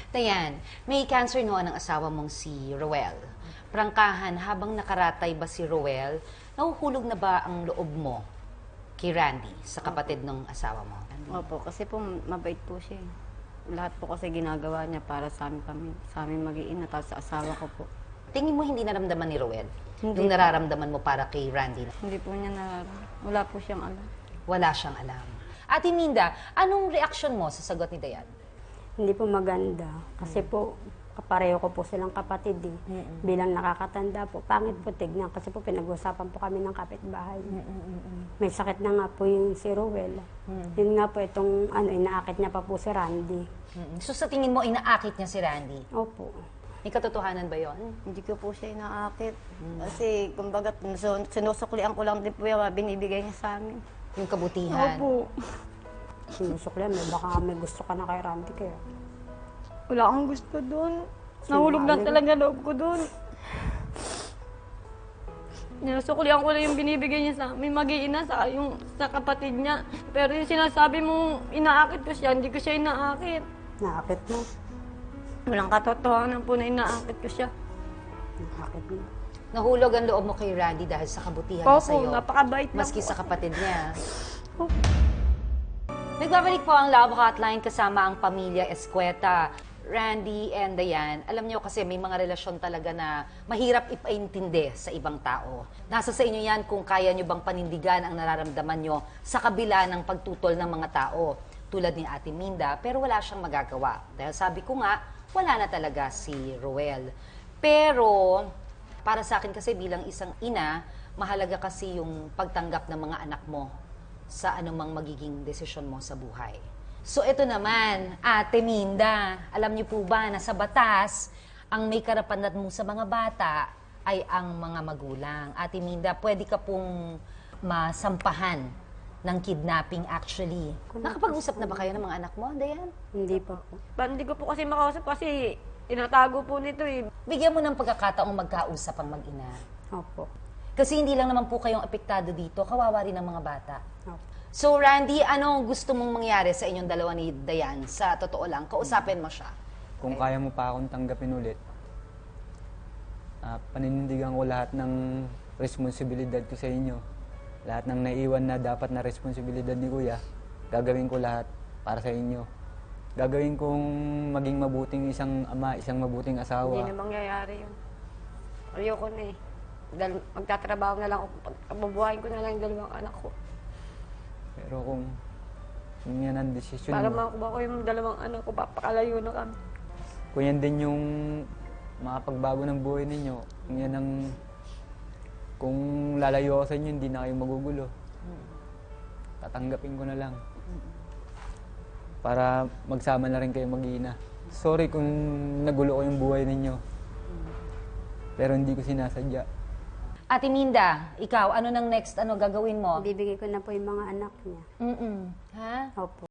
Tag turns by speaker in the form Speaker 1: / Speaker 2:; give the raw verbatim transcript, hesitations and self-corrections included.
Speaker 1: Dayan, may cancer noon ang asawa mong si Roel. Prangkahan, habang nakaratay ba si Roel, nahuhulog na ba ang loob mo kay Randy, sa kapatid ng asawa mo?
Speaker 2: Opo, kasi po mabait po siya eh. Lahat po kasi ginagawa niya para sa amin kami, sa amin mag-iina, tapos sa asawa ko po.
Speaker 1: Tingin mo hindi naramdaman ni Roel?
Speaker 2: Hindi
Speaker 1: Yung
Speaker 2: po.
Speaker 1: nararamdaman mo para kay Randy?
Speaker 2: Hindi po niya nararamdaman. Wala po siyang alam.
Speaker 1: Wala siyang alam. Ate Minda, anong reaksyon mo sa sagot ni Dayan?
Speaker 3: Hindi po maganda. Kasi po, kapareho ko po silang kapatid eh.
Speaker 1: Mm-mm.
Speaker 3: Bilang nakakatanda po, pangit po tignan. Kasi po pinag-usapan po kami ng kapitbahay. May sakit na nga po yung si Rowel. Yun nga po itong ano, inaakit niya pa po si Randy.
Speaker 1: Mm-mm. So sa tingin mo, inaakit niya si Randy?
Speaker 3: Opo.
Speaker 1: May katotohanan ba yon?
Speaker 2: Hindi ko po siya inaakit. Kasi, kumbaga, sun- sinusuklian ko lang din po yung mga binibigay niya sa amin.
Speaker 1: Yung kabutihan?
Speaker 2: Opo.
Speaker 3: Sinusuklian mo, baka may gusto ka na kay Randy kaya.
Speaker 2: Wala akong gusto doon. Nahulog lang talaga loob ko doon. Sinusuklian ko lang yung binibigay niya sa amin, mag-iina sa, yung, sa kapatid niya. Pero yung sinasabi mo, inaakit ko siya, hindi ko siya inaakit.
Speaker 3: Naakit mo.
Speaker 2: Walang katotohanan po na inaakit ko siya.
Speaker 3: Naakit mo.
Speaker 1: Nahulog ang loob mo kay Randy dahil sa kabutihan niya
Speaker 2: Opo,
Speaker 1: sa'yo.
Speaker 2: napakabait lang
Speaker 1: Maski
Speaker 2: po.
Speaker 1: sa kapatid niya. Nagbabalik po ang Love Hotline kasama ang pamilya Escueta. Randy and Dayan, alam niyo kasi may mga relasyon talaga na mahirap ipaintindi sa ibang tao. Nasa sa inyo yan kung kaya niyo bang panindigan ang nararamdaman niyo sa kabila ng pagtutol ng mga tao. Tulad ni Ate Minda, pero wala siyang magagawa. Dahil sabi ko nga, wala na talaga si Roel. Pero, para sa akin kasi bilang isang ina, mahalaga kasi yung pagtanggap ng mga anak mo sa anumang magiging desisyon mo sa buhay. So ito naman, Ate Minda, alam niyo po ba na sa batas, ang may karapatan mo sa mga bata ay ang mga magulang. Ate Minda, pwede ka pong masampahan ng kidnapping actually. Nakapag-usap na ba kayo ng mga anak mo, Dayan?
Speaker 3: Hindi pa po.
Speaker 2: Ba, hindi ko po kasi makausap kasi tinatago po nito eh.
Speaker 1: Bigyan mo ng pagkakataong magkausap ang mag-ina.
Speaker 3: Opo.
Speaker 1: Kasi hindi lang naman po kayong apektado dito, kawawa rin ng mga bata.
Speaker 3: Opo.
Speaker 1: So Randy, ano gusto mong mangyari sa inyong dalawa ni Dayan? Sa totoo lang, kausapin mo siya.
Speaker 4: Kung kaya mo pa akong tanggapin ulit, ah, paninindigan ko lahat ng responsibilidad ko sa inyo. Lahat ng naiwan na dapat na responsibilidad ni Kuya, gagawin ko lahat para sa inyo. Gagawin kong maging mabuting isang ama, isang mabuting
Speaker 2: Hindi
Speaker 4: asawa.
Speaker 2: na mangyayari yun. Ayoko na eh. Dahil magtatrabaho na lang ako. Pagbabuhayin ko na lang yung dalawang anak ko.
Speaker 4: Pero kung, kung yan ang desisyon
Speaker 2: Para
Speaker 4: mo,
Speaker 2: makakuha ko yung dalawang anak ko, papakalayo na kami.
Speaker 4: kung yan din yung makapagbago ng buhay ninyo, kung yan ang, kung lalayo ako sa inyo, hindi na kayo magugulo. Tatanggapin ko na lang. Para magsama na rin kayo mag-iina. Sorry kung nagulo ko yung buhay ninyo. Pero hindi ko sinasadya.
Speaker 1: Ate Minda, ikaw, ano nang next ano gagawin mo?
Speaker 3: Bibigay ko na po yung mga anak niya.
Speaker 1: Mm-mm. Ha?
Speaker 3: Opo.